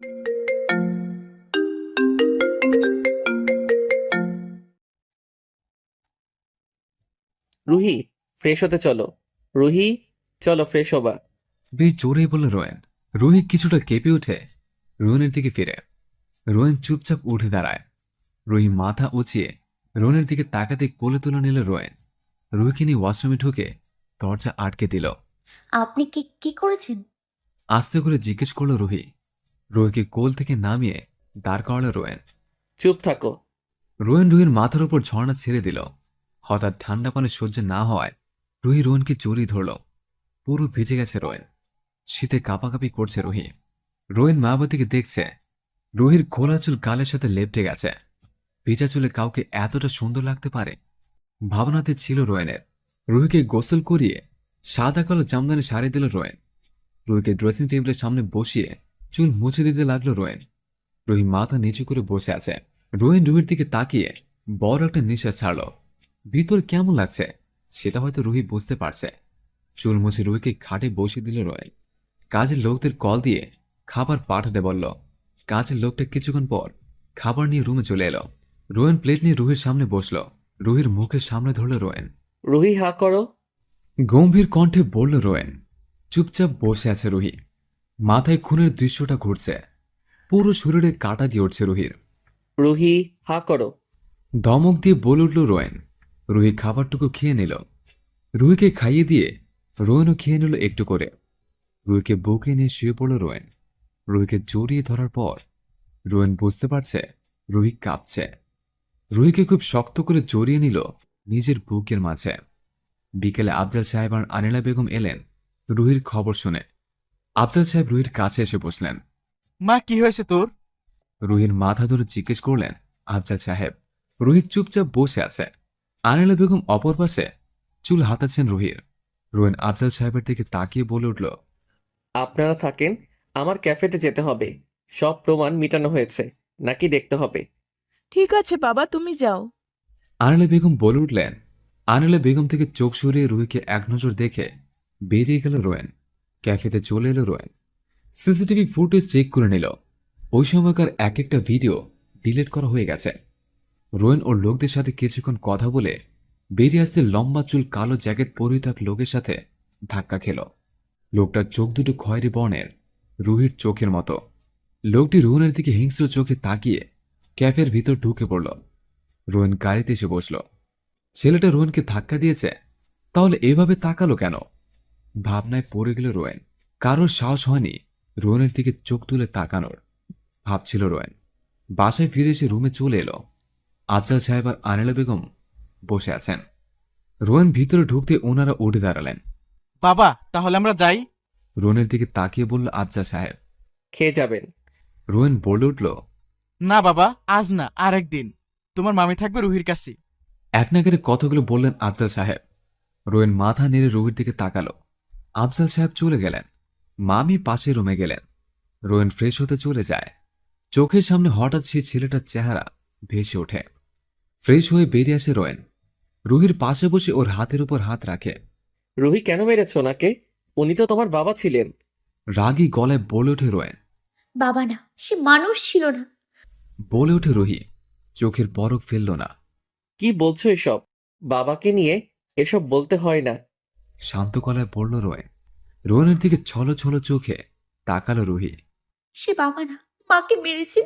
Ruhi, fresh হতে চলো। রুহি, চলো ফ্রেশ হবা। বেশ জোরেই বলল রোয়েন। রুহি কিছুটা কেঁপে উঠে রোয়েনের দিকে ফিরে। রোয়েন চুপচাপ উঠে দাঁড়ায়। রুহি মাথা উঁচিয়ে রোয়েনের দিকে তাকাতে কোলে তুলে নিল রোয়েন। রুহিকে নিয়ে ওয়াশরুমে ঢুকে দরজা আটকে দিল। আপনি কি কি করেছেন? আস্তে করে জিজ্ঞেস করল রুহি। রুহিকে কোল থেকে নামিয়ে দাঁড় করালো রোয়েন। চুপ থাকো। রোয়েন রুহির মাথার উপর ঝর্ণা ছেড়ে দিল। হঠাৎ ঠান্ডা পানি সহ্য না হওয়ায় রুহি রোয়েনকে জড়িয়ে ধরল। পুরো ভিজে গেছে রোয়েন। শীতে কাঁপাকাঁপি করছে রুহি। রোয়েন মায়াবতীকে দেখছে। রুহির খোলা চুল গালের সাথে লেপটে গেছে। ভিজা চুলে কাউকে এতটা সুন্দর লাগতে পারে ভাবনাতে ছিল রোয়েনের। রুহিকে গোসল করিয়ে সাদা কালো জামদানি শাড়ি দিল রোয়েন। রুহিকে ড্রেসিং টেবিলের সামনে বসিয়ে চুল মুছে দিতে লাগলো রোয়েন। রুহি মাথা নিচু করে বসে আছে। রোয়েন রুহির দিকে তাকিয়ে বড় একটা নিঃশ্বাস ছাড়ল। ভিতর কেমন লাগছে সেটা হয়তো রুহি বুঝতে পারছে। চুল মুছে রুহিকে খাটে বসিয়ে দিল রোয়েন। কাজের লোকদের কল দিয়ে খাবার পাঠাতে বলল। কাজের লোকটা কিছুক্ষণ পর খাবার নিয়ে রুমে চলে এলো। রোয়েন প্লেট নিয়ে রুহির সামনে বসল। রুহির মুখের সামনে ধরল রোয়েন। রুহি, হা করো। গম্ভীর কণ্ঠে বলল রোয়েন। চুপচাপ বসে আছে রুহি। মাথায় খুনের দৃশ্যটা ঘুরছে। পুরো শরীরে কাটা দিয়ে উঠছে রুহির। রুহি, হা করো। ধমক দিয়ে বলে উঠল রোয়েন। রুহি খাবারটুকু খেয়ে নিল। রুহিকে খাইয়ে দিয়ে রোয়েনও খেয়ে নিল একটু করে। রুহিকে বুকে নিয়ে শুয়ে পড়ল রোয়েন। রুহিকে জড়িয়ে ধরার পর রোয়েন বুঝতে পারছে রুহি কাঁপছে। রুহিকে খুব শক্ত করে জড়িয়ে নিল নিজের বুকের মাঝে। বিকেলে আফজাল সাহেব আর আনিলা বেগম এলেন রুহির খবর শুনে। আফজাল সাহেব রুহির কাছে এসে বসলেন। মা, কি হয়েছে তোর? রুহির মাথা ধরে জিজ্ঞেস করলেন আফজাল সাহেব। রুহি চুপচাপ বসে আছে। আনিলা বেগম অপর পাশে চুল হাতাচ্ছেন রুহির। রোয়েন আফজাল সাহেবের দিকে তাকিয়ে বলে উঠল, আপনারা থাকেন, আমার ক্যাফেতে যেতে হবে। সব প্রমাণ মিটানো হয়েছে নাকি দেখতে হবে। ঠিক আছে বাবা, তুমি যাও। আনিলা বেগম বলে উঠলেন। আনিলা বেগম থেকে চোখ সরিয়ে রুহিকে এক নজর দেখে বেরিয়ে গেল রোয়েন। ক্যাফেতে চলে এলো রোয়েন। সিসিটিভি ফুটেজ চেক করে নিল। ওই সময়কার এক একটা ভিডিও ডিলিট করা হয়ে গেছে। রোয়েন ওর লোকদের সাথে কিছুক্ষণ কথা বলে বেরিয়ে আসতে লম্বা চুল কালো জ্যাকেট পরিহিত এক লোকের সাথে ধাক্কা খেল। লোকটার চোখ দুটো খয়েরি বর্ণের, রুহির চোখের মতো। লোকটি রোহনের দিকে হিংস্র চোখে তাকিয়ে ক্যাফের ভিতর ঢুকে পড়ল। রোয়েন গাড়িতে এসে বসল। ছেলেটা রোয়েনকে ধাক্কা দিয়েছে, তাহলে এভাবে তাকালো কেন? ভাবনায় পড়ে গেল রোয়েন। কারোর সাহস হয়নি রোয়েনের দিকে চোখ তুলে তাকানোর। ভাবছিল রোয়েন। বাসায় ফিরে এসে রুমে চলে এলো। আফজাল সাহেব আর আনিলা বেগম বসে আছেন। রোয়েন ভিতরে ঢুকতে ওনারা উঠে দাঁড়ালেন। বাবা, তাহলে আমরা যাই? রোয়েনের দিকে তাকিয়ে বলল আফজাল সাহেব। খেয়ে যাবেন। রোয়েন বলে উঠল, না বাবা, আজ না, আরেকদিন। তোমার মামি থাকবে রুহির কাছে। এক নাগারে কথাগুলো বললেন আফজাল সাহেব। রোয়েন মাথা নেড়ে রুহির দিকে তাকালো। আফজাল সাহেব চলে গেলেন। মামি পাশে রুমে গেলেন। রোয়েন ফ্রেশ হতে চলে যায়। চোখের সামনে হঠাৎ সেই ছেলেটার চেহারা ভেসে ওঠে। ফ্রেশ হয়ে বেরিয়ে আসে রোয়েন। রুহির পাশে বসে ওর হাতের উপর হাত রাখে। রুহি, কেন মেরেছ ওনাকে? উনি তো তোমার বাবা ছিলেন। রাগী গলায় বলে ওঠে রোয়েন। বাবা না, সে মানুষ ছিল না। বলে ওঠে রুহি। চোখের পরক ফেলল না। কি বলছো এসব? বাবাকে নিয়ে এসব বলতে হয় না। শান্ত গলায় বলল রোয়েন। রোয়েনের দিকে ছলো ছলো চোখে তাকালো রুহি। সে বাবা না, মাকে মেরেছে।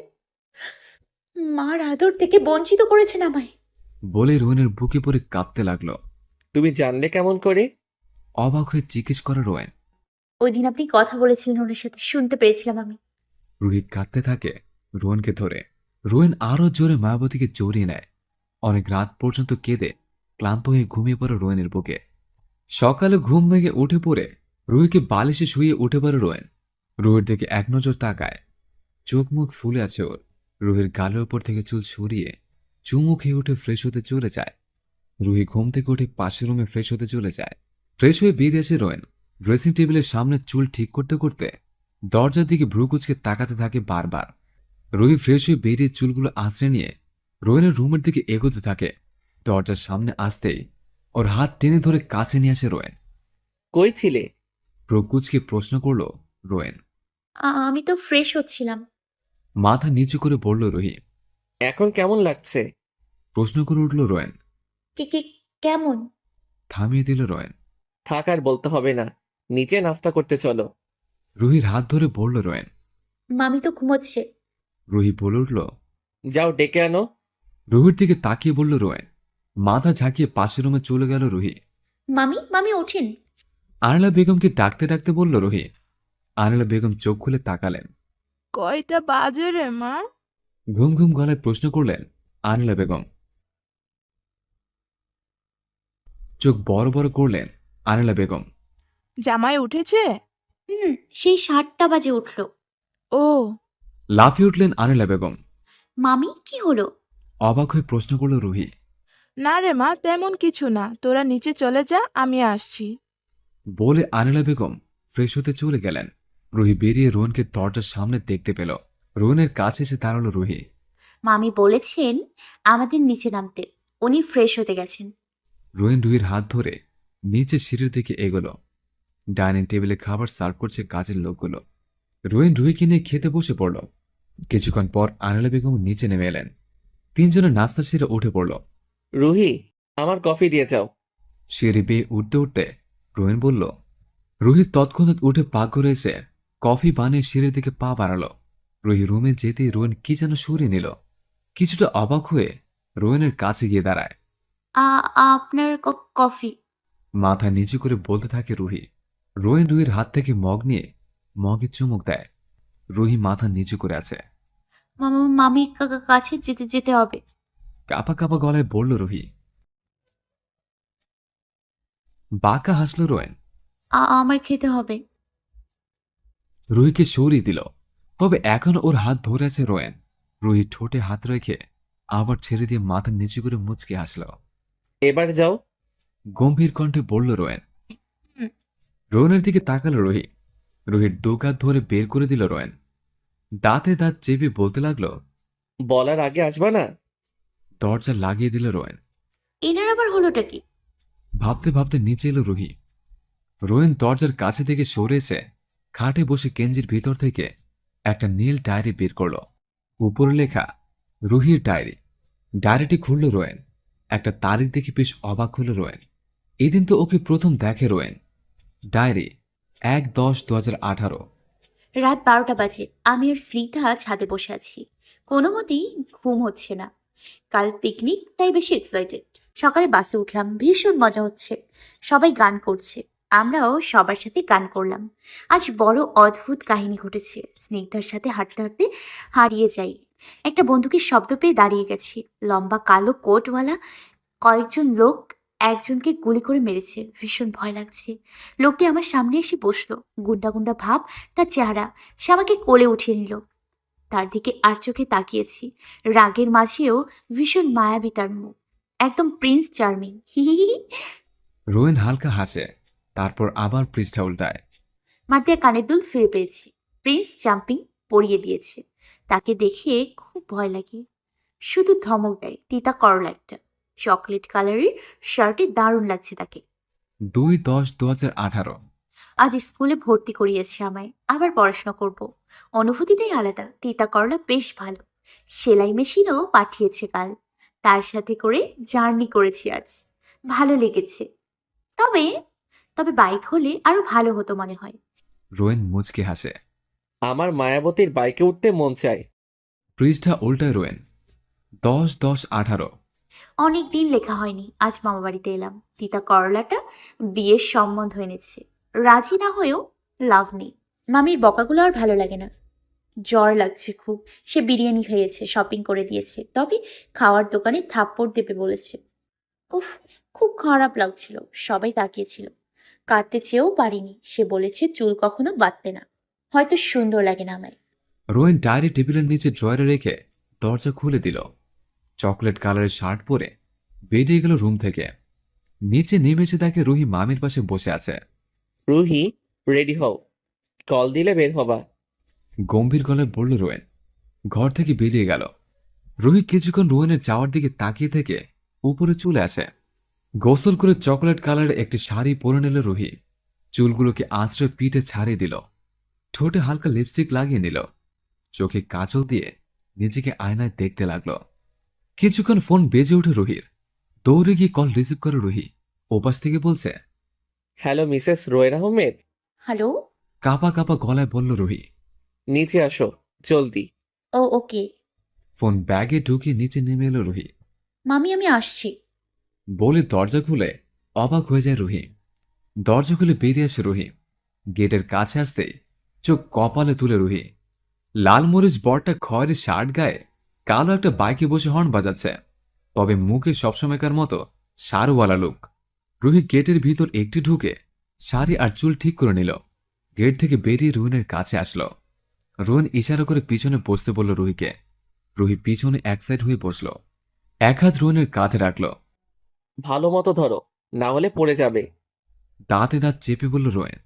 মার আদর থেকে বঞ্চিত করেছেন আমায়। বলে রোয়েনের বুকে পড়ে কাঁপতে লাগলো। তুমি জানলে কেমন করে? অবাক হয়ে জিজ্ঞেস করে রোয়েন। ওই দিন আপনি কথা বলেছিলেন ওনার সাথে, শুনতে পেরেছিলাম আমি। রুহি কাঁদতে থাকে রোয়েনকে ধরে। রোয়েন আরো জোরে মায়াবতীকে জড়িয়ে নেয়। অনেক রাত পর্যন্ত কেঁদে ক্লান্ত হয়ে ঘুমিয়ে পড়ে রোয়েনের বুকে। সকালে ঘুম ভেঙে উঠে পড়ে রুহিকে বালিশে শুয়ে উঠে পড়ে রোয়েন। রুহির দিকে এক নজর তাকায়। চোখ মুখ ফুলে আছে ওর। রুহির গালের উপর থেকে চুল সরিয়ে চুমু খেয়ে উঠে ফ্রেশ হতে চলে যায়। রুহি ঘুম থেকে উঠে পাশের রুমে ফ্রেশ হতে চলে যায়। ফ্রেশ হয়ে বেরিয়ে আসে রোয়েন। ড্রেসিং টেবিলের সামনে চুল ঠিক করতে করতে দরজার দিকে ভ্রু কুচকে তাকাতে থাকে বারবার। রুহি ফ্রেশ হয়ে বেরিয়ে চুলগুলো আঁচড়ে নিয়ে রোয়েনের রুমের দিকে এগোতে থাকে। দরজার সামনে আসতেই ওর হাত টেনে ধরে কাছে নিয়ে আসে রোয়েন। কই ছিলে? ভ্রু কুচকে প্রশ্ন করল রোয়েন। আমি তো ফ্রেশ হচ্ছিলাম। মাথা নিচু করে বলল রুহি। এখন কেমন লাগছে? প্রশ্ন করে উঠল রোয়েন। কি কি কেমন? থামিয়ে দিল রোয়েন। থাক আর বলতে হবে না, নিচে নাস্তা করতে চলো। রুহির হাত ধরে বলল রোয়েন। মামি তো ঘুমোচ্ছে। রুহি বলে উঠল। যাও ডেকে আনো। রুহির দিকে তাকিয়ে বলল রোয়েন। মাথা ঝাঁকিয়ে পাশের রুমে চলে গেল রুহি। মামি মামি ওঠেন। আনিলা বেগমকে ডাকতে ডাকতে বলল রুহি। আনিলা বেগম চোখ খুলে তাকালেন। কয়টা বাজে রে মা? ঘুম ঘুম গলায় প্রশ্ন করলেন আনিলা বেগম। চোখ বড় বড় করলেন আনিলা বেগম। জামাই উঠেছে? সেই 7টা বাজে উঠলো। ও, লাফিয়ে উঠলেন আনিলা বেগম। মামি কি হলো? অবাক হয়ে প্রশ্ন করল রুহি। না রে মা, তেমন কিছু না, তোরা নিচে চলে যা, আমি আসছি। বলে আনিলা বেগম ফ্রেশ হতে চলে গেলেন। রুহি বেরিয়ে রোহনকে দরজার সামনে দেখতে পেল। রোহনের কাছে এসে দাঁড়ালো রুহি। মামি বলেছেন আমাদের নিচে নামতে, উনি ফ্রেশ হতে গেছেন। রোহিন রুহির হাত ধরে নিচে সিঁড়ির দিকে এগোলো। ডাইনিং টেবিলে খাবার সার্ভ করছে কাজের লোকগুলো। রোহিন রুহিকে নিয়ে খেতে বসে পড়ল। কিছুক্ষণ পর আনিলা বেগম নিচে নেমে এলেন। তিনজনের নাস্তা সেরে উঠে পড়ল। রুহি, আমার কফি দিয়ে যাও। সিঁড়ি বেয়ে উঠতে উঠতে রোহিন বলল। রুহি তৎক্ষণাৎ উঠে পাকঘরে এসে কফি বানিয়ে সিঁড়ির দিকে পা বাড়ালো। রুহি রুমে যেতেই রোহিন কি যেন সরিয়ে নিল। কিছুটা অবাক হয়ে রোহিনের কাছে গিয়ে দাঁড়ায়। আপনার কফি। মাথা নিচু করে বলতে থাকে রুহি। রোহিন রুহির হাত থেকে মগ নিয়ে মগে চুমুক দেয়। রুহি মাথা নিচু করে আছে। মামির কাছে যেতে যেতে হবে। কাপা কাপা গলায় বলল রুহি। বাঁকা হাসল রোয়েন। আমার খেতে হবে। রুহিকে সরিয়ে দিল, তবে এখনো ওর হাত ধরে আছে রোয়েন। রুহি ঠোঁটে হাত রেখে আবার ছেড়ে দিয়ে মাথা নিচু করে মুচকে হাসল। এবার যাও। গম্ভীর কণ্ঠে বলল রোয়েন। রোয়েনের দিকে তাকালো রুহি। রুহির দু কাঁধ ধরে বের করে দিল রোয়েন। দাঁতে দাঁত চেপে বলতে লাগলো। বলার আগে আসবা না? দরজা লাগিয়ে দিল রোয়েন। এনার আবার হলোটা কি? ভাবতে ভাবতে নিচে এলো রুহি। রোয়েন দরজার কাছে থেকে সরে এসে খাটে বসে কেঞ্জির ভিতর থেকে একটা নীল ডায়েরি বের করল। উপরে লেখা রুহির ডায়েরি। ডায়েরিটি খুলল রোয়েন। একটা তারিখ দেখে বেশ অবাক হল রোয়েন। এদিন তো ওকে প্রথম দেখে রোয়েন। ডায়েরি 1/10/2018। রাত 12টা বাজে। আমি আর স্মিতা ছাদে বসে আছি। কোনো মতেই ঘুম হচ্ছে না। কাল পিকনিক, তাই বেশি এক্সাইটেড। সকালে বাসে উঠলাম, ভীষণ মজা হচ্ছে। সবাই গান করছে, আমরাও সবার সাথে গান করলাম। আজ বড় অদ্ভুত কাহিনী ঘটেছে। স্নিগ্ধার সাথে হাঁটতে হাঁটতে হারিয়ে যাই। একটা বন্দুকের শব্দ পেয়ে দাঁড়িয়ে গেছি। লম্বা কালো কোটওয়ালা কয়েকজন লোক একজনকে গুলি করে মেরেছে। ভীষণ ভয় লাগছে। লোকটি আমার সামনে এসে বসলো। গুন্ডা গুন্ডা ভাব তার চেহারা। সে আমাকে কোলে উঠিয়ে নিল। তার দিকে আর চোখে তাকিয়েছি। রাগের মাঝেও ভীষণ মায়াবী তার মুখ। একদম প্রিন্স চার্মিং। হি হি হি। রোয়েন হালকা হাসে, তারপর আবার পৃষ্ঠা উল্টায়। মার দিয়ে কানের দুল ফিরে পেয়েছি। প্রিন্স জাম্পিং পরিয়ে দিয়েছে। তাকে দেখে খুব ভয় লাগে। শুধু ধমক দেয়, তিতা করলা একটা। চকলেট কালারের শার্টে দারুণ লাগছে তাকে। 2/10/2018। আজ স্কুলে ভর্তি করিয়েছে আমায়। আবার পড়াশোনা করব। অনুভূতিটাই আলাদা। তিতা করলা বেশ ভালো। সেলাই মেশিনও পাঠিয়েছে কাল। তার সাথে করে জার্নি করেছি আজ। ভালো লেগেছে। তবে তবে বাইক হলে আরো ভালো হতো মনে হয়। রোয়েন মুচকে হাসে। আমার মায়াবতীর বাইকে উঠতে মন চায়। পৃষ্ঠা উল্টায় রোয়েন। 10/10/18। অনেক দিন লেখা হয়নি। আজ মামা বাড়িতে এলাম। তিতা করলাটা বিয়ের সম্বন্ধ এনেছে। রাজি না হয়েও লাভ নেই। মামির বকাগুলো আর ভালো লাগে না। জ্বর লাগছে খুব। সে বিরিয়ানি খেয়েছে, শপিং করে দিয়েছে, তবে খাওয়ার দোকানে থাপ্পড় দেবে বলেছে। উফ, খুব খারাপ লাগছিল। সবাই তাকিয়েছিল। কাঁদতে চেয়েও পারিনি। সে বলেছে চুল কখনো বাঁধতে না। হয়তো সুন্দর লাগে না আমায়। রোয়েন ডায়েরি টেবিলের নিচে ড্রয়ারে রেখে দরজা খুলে দিল। চকলেট কালারের শার্ট পরে বেরিয়ে গেল রুম থেকে। নিচে নেমে এসে দেখে রুহি মামির পাশে বসে আছে। রুহি, রেডি হও, কল দিলে বের হবা। গম্ভীর গলায় বলল রোয়েন। ঘর থেকে বেরিয়ে গেল। রুহি কিছুক্ষণ রোয়েনের যাওয়ার দিকে তাকিয়ে থেকে উপরে চলে আসে। গোসল করে চকলেট কালারের একটি শাড়ি পরে নিল রুহি। চুলগুলোকে আঁচড়ে পিঠে ছাড়িয়ে দিল। ঠোঁটে হালকা লিপস্টিক লাগিয়ে নিল। চোখে কাজল দিয়ে নিজেকে আয়নায় দেখতে লাগলো। কিছুক্ষণ ফোন বেজে ওঠে রুহির। দৌড়ে গিয়ে কল রিসিভ করে রুহি। ওপাশ থেকে বলছে, হ্যালো মিসেস রোয়ের আহমেদ, হ্যালো। কাঁপা কাঁপা গলায় বলল রুহি। নিচে আসো জলদি। ও ওকে। ফোন ব্যাগে ঢুকিয়ে নিচে নেমে এলো রুহি। মামি আমি আসছি। বলে দরজা খুলে অবাক হয়ে যায় রুহি। দরজা খুলে বেরিয়ে আসে রুহি। গেটের কাছে আসতেই চোখ কপালে তুলে রুহি। লাল মরিচ বরটা খয়েরি শার্ট গায়ে কালো একটা বাইকে বসে হর্ন বাজাচ্ছে, তবে মুখে সবসময়কার মতো সারওয়ালা লুক। রুহি গেটের ভিতর একটি ঢুকে শাড়ি আর চুল ঠিক করে নিল। গেট থেকে বেরিয়ে রুহিনের কাছে আসলো। রুহিন ইশারা করে পিছনে বসতে বলল রুহিকে। রুহি পিছনে এক সাইড হয়ে বসল। এক হাত রুহিনের কাঁধে রাখল। ভালো মতো ধরো, না হলে পড়ে যাবে। দাঁতে দাঁত চেপে বলল রোয়েন।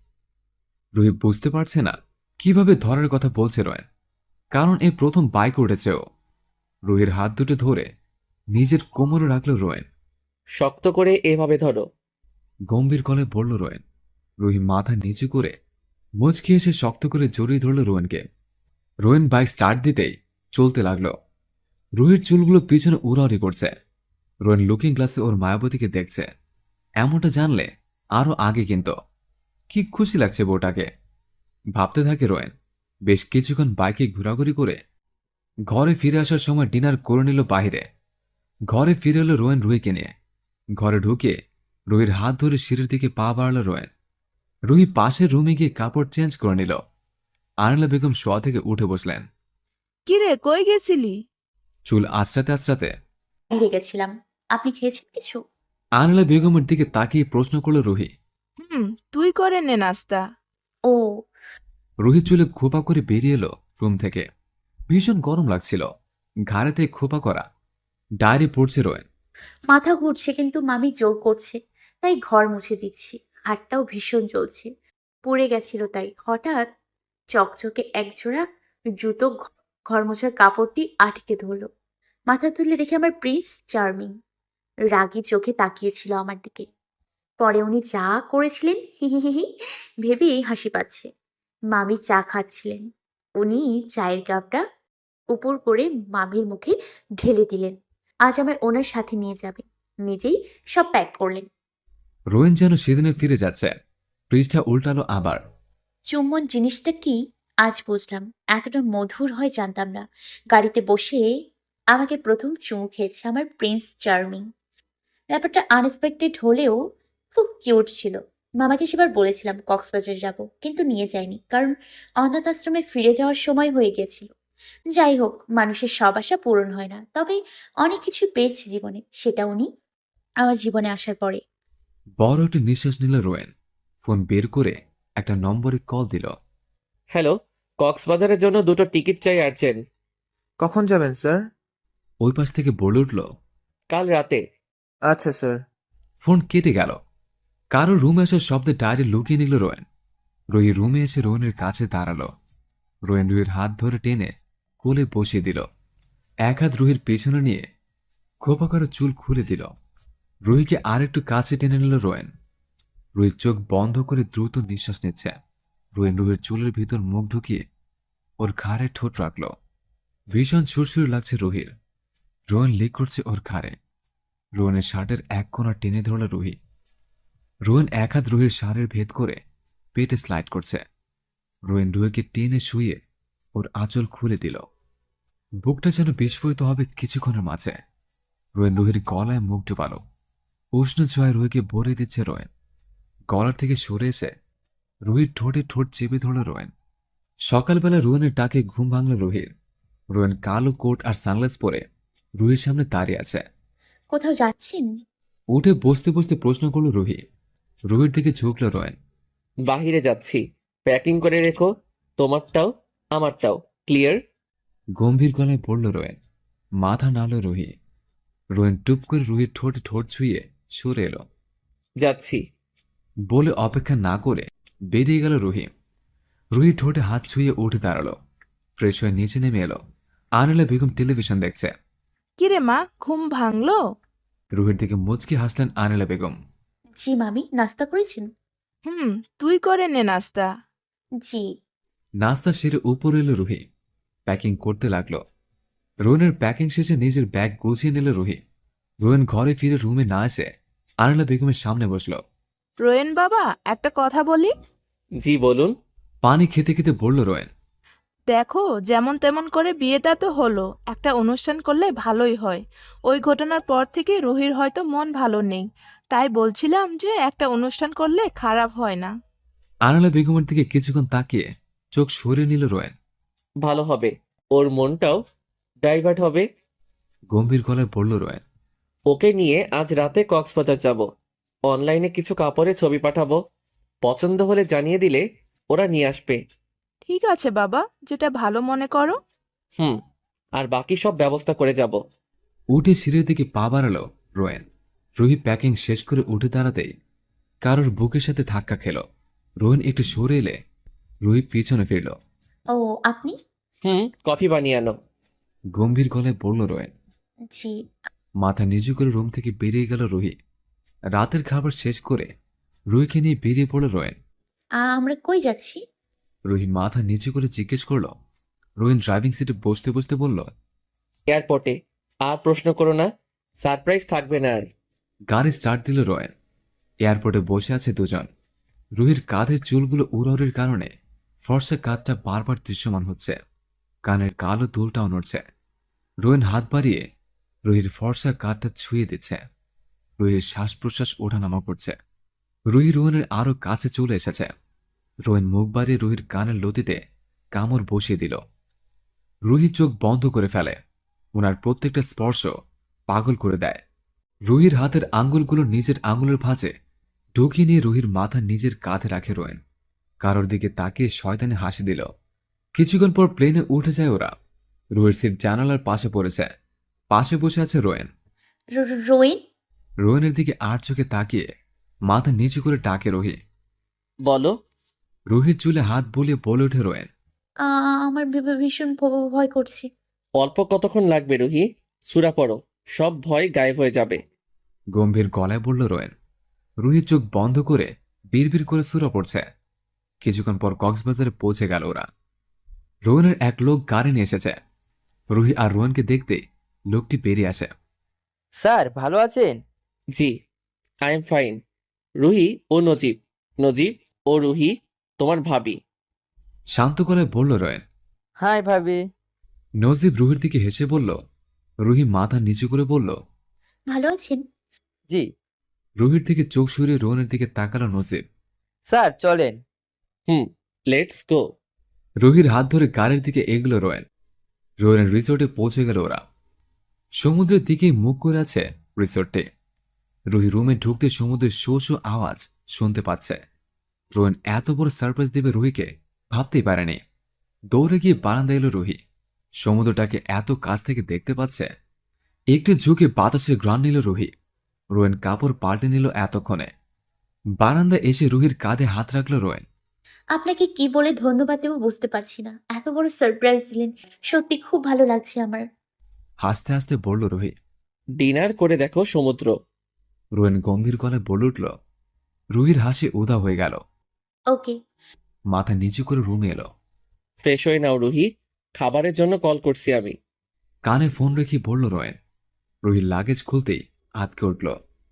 রুহি বুঝতে পারছে না কিভাবে ধরার কথা বলছে রোয়েন, কারণ এই প্রথম বাইক উঠেছে ও। রুহির হাত দুটো ধরে নিজের কোমরে রাখল রোয়েন। শক্ত করে এভাবে ধরো। গম্ভীর গলায় বলল রোয়েন। রুহি মাথা নিচু করে মুচকি এসে শক্ত করে জড়িয়ে ধরল রোয়েনকে। রোয়েন বাইক স্টার্ট দিতেই চলতে লাগল। রুহির চুলগুলো পিছনে উড়াউড়ি করছে। রোয়েন লুকিং গ্লাসে ওর মায়াবতীকে দেখছে। এমনটা জানলে আরো আগে কিন্তু কি খুশি লাগছে বউটাকে। ভাবতে থাকে রোয়েন। বেশ কিছুক্ষণ বাইকে ঘোরাঘুরি করে ঘরে ফিরে আসার সময় ডিনার করে নিল বাহিরে। ঘরে ফিরে এলো রোয়েন রুহিকে নিয়ে। ঘরে ঢুকে রুহির হাত ধরে সিঁড়ির দিকে পা বাড়াল রোয়েন। রুহি পাশের রুমে গিয়ে কাপড় চেঞ্জ করে নিল। আনিলা বেগম শোয়া থেকে উঠে বসলেন। কিরে কই গেছিলি? চুল আঁচড়াতে আঁচড়াতে বাইরে গেছিলাম। আপনি খেয়েছেন কিছু? আনিলা বেগমের দিকে তাকিয়ে প্রশ্ন করল রুহি। তুই করে নে নাস্তা। ও। রুহি চুলে খোপা করে বেরিয়ে এলো রুম থেকে। ভীষণ গরম লাগছিল। ঘাড়েতে খোপা করা ডায়েরি পড়ছে রোয়েন। মাথা ঘুরছে কিন্তু মামি জোর করছে, তাই ঘর মুছে দিচ্ছি। হাতটাও ভীষণ জ্বলছে, পুড়ে গেছিল তাই। হঠাৎ চকচকে একজোড়া জুতো ঘর মোছার কাপড়টি আটকে ধরলো। মাথা তুললে দেখে আমার প্রিন্স চার্মিং রাগী চোখে তাকিয়েছিল আমার দিকে। পরে উনি যা করেছিলেন হি হি হি হি ভেবেই হাসি পাচ্ছে। মামি চা খাচ্ছিলেন, উনি চায়ের কাপটা উপর করে মামির মুখে ঢেলে দিলেন। আজ আমায় ওনার সাথে নিয়ে যাবে, নিজেই সব প্যাক করলেন। রোয়েন যেন সেদিনে ফিরে যাচ্ছে। পৃষ্ঠা উল্টালো আবার। চুম্বন জিনিসটা কি আজ বুঝলাম। এতটা মধুর হয় জানতাম না। গাড়িতে বসে আমাকে প্রথম চুমু খেয়েছে আমার প্রিন্স চার্মিং। ব্যাপারটা আনএক্সপেক্টেড হলেও খুব কিউট ছিল। মামাকে সেবার বলেছিলাম কক্সবাজার যাব, কিন্তু নিয়ে যায়নি, কারণ অনাথ আশ্রমে ফিরে যাওয়ার সময় হয়ে গেছিল। যাই হোক, মানুষের সব আশা পূরণ হয় না, তবে অনেক কিছু পেয়েছি জীবনে, সেটা উনি আমার জীবনে আসার পরে। বড় একটি নিঃশ্বাস নিল রোয়েন। ফোন বের করে একটা নম্বরে কল দিল। হ্যালো, কক্সবাজারের জন্য 2টো টিকিট চাই আর্জেন্ট। কখন যাবেন স্যার? ওই পাশ থেকে বলে উঠল। কাল রাতে। আচ্ছা স্যার। ফোন কেটে গেল। কারো রুমে আসার শব্দে ডায়েরি লুকিয়ে নিল রোয়েন। রুহি রুমে এসে রোয়েনের কাছে দাঁড়ালো। রোয়েন রুহির হাত ধরে টেনে কোলে বসিয়ে দিল। এক হাত রুহির পেছনে নিয়ে খোপা করে চুল খুলে দিল। রুহিকে আরেকটু কাছে টেনে নিল রোয়েন। রুহির চোখ বন্ধ করে দ্রুত নিঃশ্বাস নিচ্ছে। রোয়েন রুহির চুলের ভিতর মুখ ঢুকিয়ে ওর ঘাড়ে ঠোঁট রাখল। ভীষণ সুরসুরি লাগছে রুহির। রোয়েন লিক করছে ওর ঘাড়ে। রোয়েনের শার্টের এক কোণা টেনে ধরল রুহি। রোয়েন এক হাত রুহির শাড়ের ভেদ করে পেটে স্লাইড করছে। রোয়েন রুহিকে টেনে শুয়ে ওর আঁচল খুলে দিল। বুকটা যেন বিস্ফোরিত হবে কিছুক্ষণের মাঝে। রোয়েন রুহির গলায় মুখ ডুবাল। উষ্ণ ছোঁয়ায় রুহিকে ভরে দিচ্ছে রোয়েন। গলার থেকে সরে এসে রুহির ঠোঁটে ঠোঁট চেপে ধরল রোয়েন। সকালবেলা রোয়েনের ডাকে ঘুম ভাঙল রুহির। রোয়েন কালো কোট আর সানগ্লাস পরে রুহির সামনে দাঁড়িয়ে আছে। কোথাও যাচ্ছেন? উঠে বসতে বসতে প্রশ্ন করল রুহি। রুহির দিকে ঝুঁকল রোয়েন। বাহিরে যাচ্ছি, প্যাকিং করে রেখো, তোমারটাও আমারটাও। ক্লিয়ার? গম্ভীর গলায় বলল রোয়েন। মাথা নাড়ল রুহি। রোয়েন টুপ করে রুহির ঠোঁটে ঠোঁট ছুঁয়ে সরে এলো। যাচ্ছি। বলে অপেক্ষা না করে বেরিয়ে গেল রুহি। রুহি ঠোঁটে হাত ছুঁয়ে উঠে দাঁড়ালো। ফ্রেশ হয়ে নিচে নেমে এলো। আনিলা বেগম টেলিভিশন দেখছে। কিরে মা, ঘুম ভাঙলো? রুহির দিকে মুচকি হাসলেন আনিলা বেগম। জি মামি, নাস্তা করেছেন? তুই করে নে নাস্তা। জি। নাস্তা সেরে উপরে এলো রুহি। প্যাকিং করতে লাগলো। রোয়েনের প্যাকিং শেষে নিজের ব্যাগ গুছিয়ে নিল রুহি। রোয়েন ঘরে ফিরে রুমে না এসে আনিলা বেগমের সামনে বসল। রোয়েন বাবা, একটা কথা বলি। জি বলুন। পানি খেতে খেতে বলল রোয়েন। দেখো, যেমন তেমন করে বিয়েটা তো হলো, একটা অনুষ্ঠান করলে ভালোই হয়। ওই ঘটনার পর থেকে রুহির হয়তো মন ভালো নেই, তাই বলছিলাম যে একটা অনুষ্ঠান করলে খারাপ হয় না। আনিলা বেগমের দিকে কিছুক্ষণ তাকিয়ে চোখ সরিয়ে নিল রোয়েন। ভালো হবে, ওর মনটাও ডাইভার্ট হবে। গম্ভীর গলায় বলল রোয়েন। ওকে নিয়ে আজ রাতে কক্সবাজার যাব। অনলাইনে কিছু কাপড়ের ছবি পাঠাবো, পছন্দ হলে জানিয়ে দিলে ওরা নিয়ে আসবে। ঠিক আছে বাবা, যেটা ভালো মনে করো। হুম, আর বাকি সব ব্যবস্থা করে যাব। উঠে সিঁড়ির দিকে পা বাড়ালো রোয়েন। রুহি প্যাকিং শেষ করে উঠে দাঁড়াতেই কারোর বুকের সাথে ধাক্কা খেল। রোয়েন একটু সরে এলে রুহি পিছনে ফিরল। ও, আপনি? কফি বানিয়ে আনো। গম্ভীর গলায় বলল রোয়েন। জি। মাথা নিচু করে রুম থেকে বেরিয়ে গেল রুহি। রাতের খাবার শেষ করে রুহিকে নিয়ে বেরিয়ে পড়ল রোয়েন। আমরা কই যাচ্ছি? রুহি মাথা নিচু করে জিজ্ঞেস করল। রোয়েন ড্রাইভিং সিটে বসতে বসতে বলল। এয়ারপোর্টে। আর প্রশ্ন করো না, সারপ্রাইজ থাকবে না আর। গাড়ি স্টার্ট দিল রোয়েন। এয়ারপোর্টে বসে আছে দুজন। রুহির কাঁধের চুলগুলো উড়াউড়ির কারণে ফর্সা কাঁধটা বারবার দৃশ্যমান হচ্ছে। কানের কালো দুলটাও নড়ছে। রোয়েন হাত বাড়িয়ে রুহির ফর্সা কাঁধটা ছুঁয়ে দিচ্ছে। রুহির শ্বাস প্রশ্বাস ওঠানামা করছে। রুহি রোয়েনের আরো কাছে চলে এসেছে। রোয়েন মুখ বাড়িয়ে রুহির কানের লতিতে কামড় বসিয়ে দিল। রুহি চোখ বন্ধ করে ফেলে। ওনার প্রত্যেকটা স্পর্শ পাগল করে দেয়। রুহির হাতের আঙ্গুলগুলো নিজের আঙুলের ভাঁজে ঢুকিয়ে নিয়ে রুহির মাথা নিজের কাঁধে রাখে রোয়েন। কারোর দিকে তাকিয়ে শয়তানে হাসি দিল। কিছুক্ষণ পর প্লেনে উঠে যায় ওরা। রুহির সিট জানালার পাশে পড়েছে। পাশে বসে আছে রোয়েন। রোয়েন? রোয়েনের দিকে আর চোখে তাকিয়ে মাথা নিচু করে ডাকে রুহি। বলো। রুহির চুলে হাত বুলিয়ে বলে ওঠে রোয়েন। আমার ভীষণ ভয় করছে। অল্প কতক্ষণ লাগবে রুহি, সূরা পড়ো, সব ভয় গায়েব হয়ে যাবে। গম্ভীর গলায় বলল রোয়েন। রুহির চোখ বন্ধ করে বিড়বিড় করে সূরা পড়ছে। কিছুক্ষণ পর কক্সবাজারে পৌঁছে গেল ওরা। রোয়েনের এক লোক গাড়ি নিয়ে এসেছে। রুহি আর রোয়েনকে দেখতে লোকটি বেরিয়ে আসে। স্যার ভালো আছেন? জি, আই এম ফাইন। রুহি ও নজিব, নজিব ও রুহি তোমার ভাবি। শান্ত গলায় বলল রোয়েন। হাই ভাবি। নজিব রুহির দিকে হেসে বলল। রুহি মাথা নিচু করে বলল। ভালো আছেন? জি। রুহির দিকে চোখ সরিয়ে রোয়েনের দিকে তাকালো নজিব। স্যার চলেন। Let's go. রুহির হাত ধরে গাড়ির দিকে এগোলো রোয়েন। রোয়েনের রিসোর্টে পৌঁছে গেল ওরা। সমুদ্রের দিকেই মুখ করে আছে রিসোর্টে। রুহি রুমে ঢুকতে সমুদ্রের শো শো আওয়াজ শুনতে পাচ্ছে। রোয়েন এত বড় সারপ্রাইজ দেবে রুহিকে ভাবতেই পারেনি। দৌড়ে গিয়ে বারান্দা এলো রুহি। সমুদ্রটাকে এত কাছ থেকে দেখতে পাচ্ছে। একটু ঝুঁকে বাতাসের গ্রান নিল রুহি। রোয়েন কাপড় পাল্টে নিল এতক্ষণে। বারান্দা এসে রুহির কাঁধে হাত রাখল রোয়েন। আপনাকে কি বলে ধন্যবাদ দেবো বুঝতে পারছি না, এত বড় সারপ্রাইজ দিলেন, সত্যি খুব ভালো লাগছে আমার। হাসতে হাসতে বলল রুহি। ডিনার করে দেখো সমুদ্র। রোয়েন গম্ভীর গলায় বলে উঠল। রুহির হাসি উদা হয়ে গেল। ওকে। মাথা নিচু করে রুমে এলো। ফ্রেশ হয়ে নাও রুহি, খাবারের জন্য কল করছি আমি। কানে ফোন রেখে বলল রোয়েন। রুহির লাগেজ খুলতেই আটকে উঠল।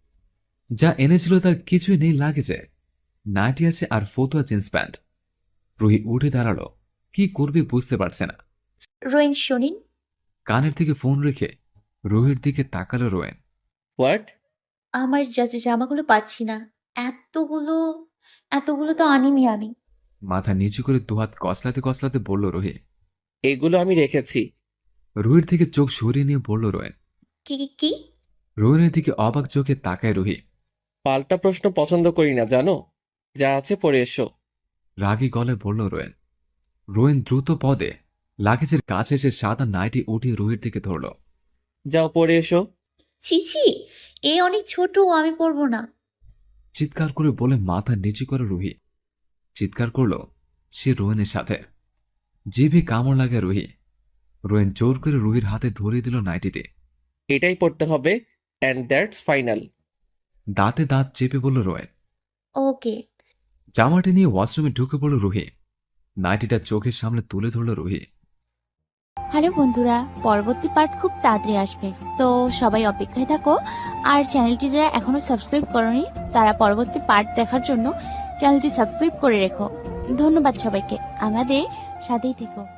যা এনেছিল তার কিছুই নেই লাগেজে। নাইটি আছে আর ফতুয়া জিন্স প্যান্ট। রুহি উঠে দাঁড়ালো। কি করবে বুঝতে পারছে না। রোয়েন শোনেন। কানের থেকে ফোন রেখে রুহির দিকে তাকালো রোয়েন। হোয়াট? আমার জামাগুলো পাচ্ছি না। এতগুলো এতগুলো তো আনিনি আমি। মাথা নিচু করে দুহাত কসলাতে কসলাতে বলল রুহি। এগুলো আমি রেখেছি। রুহির থেকে চোখ সরিয়ে নিয়ে বলল রোয়েন। কি কি কি? রোয়েনের দিকে অবাক চোখে তাকায় রুহি। পাল্টা প্রশ্ন পছন্দ করি না জানো, যা আছে পরে এসো। রাগী গলায় বলল রোয়েন। রোয়েন দ্রুত পদে লাগেজের কাছে এসে সাদা নাইটি উঠিয়ে রুহির দিকে ধরল। যাও পরে এসো। ছি ছি, এ অনেক ছোট, আমি পরবো না। চিৎকার করে বলে মাথা নিচু করে রুহি। চিৎকার করল সে রোয়েনের সাথে। জিভে কামড় লাগে রুহি। রোয়েন জোর করে রুহির হাতে ধরিয়ে দিল নাইটিটি। এটাই পড়তে হবে, অ্যান্ড দ্যাটস ফাইনাল। দাঁতে দাঁত চেপে বলল রোয়েন। ওকে। জামাটি নিয়ে ওয়াশরুমে ঢুকে পড়ল রুহি। নাইটিটা চোখের সামনে তুলে ধরল রুহি। হ্যালো বন্ধুরা, পরবর্তী পার্ট খুব তাড়াতাড়ি আসবে, তো সবাই অপেক্ষায় থাকো। আর চ্যানেলটি যারা এখনো সাবস্ক্রাইব করনি তারা পরবর্তী পার্ট দেখার জন্য চ্যানেলটি সাবস্ক্রাইব করে রেখো। ধন্যবাদ সবাইকে, আমাদের সাথেই থেকো।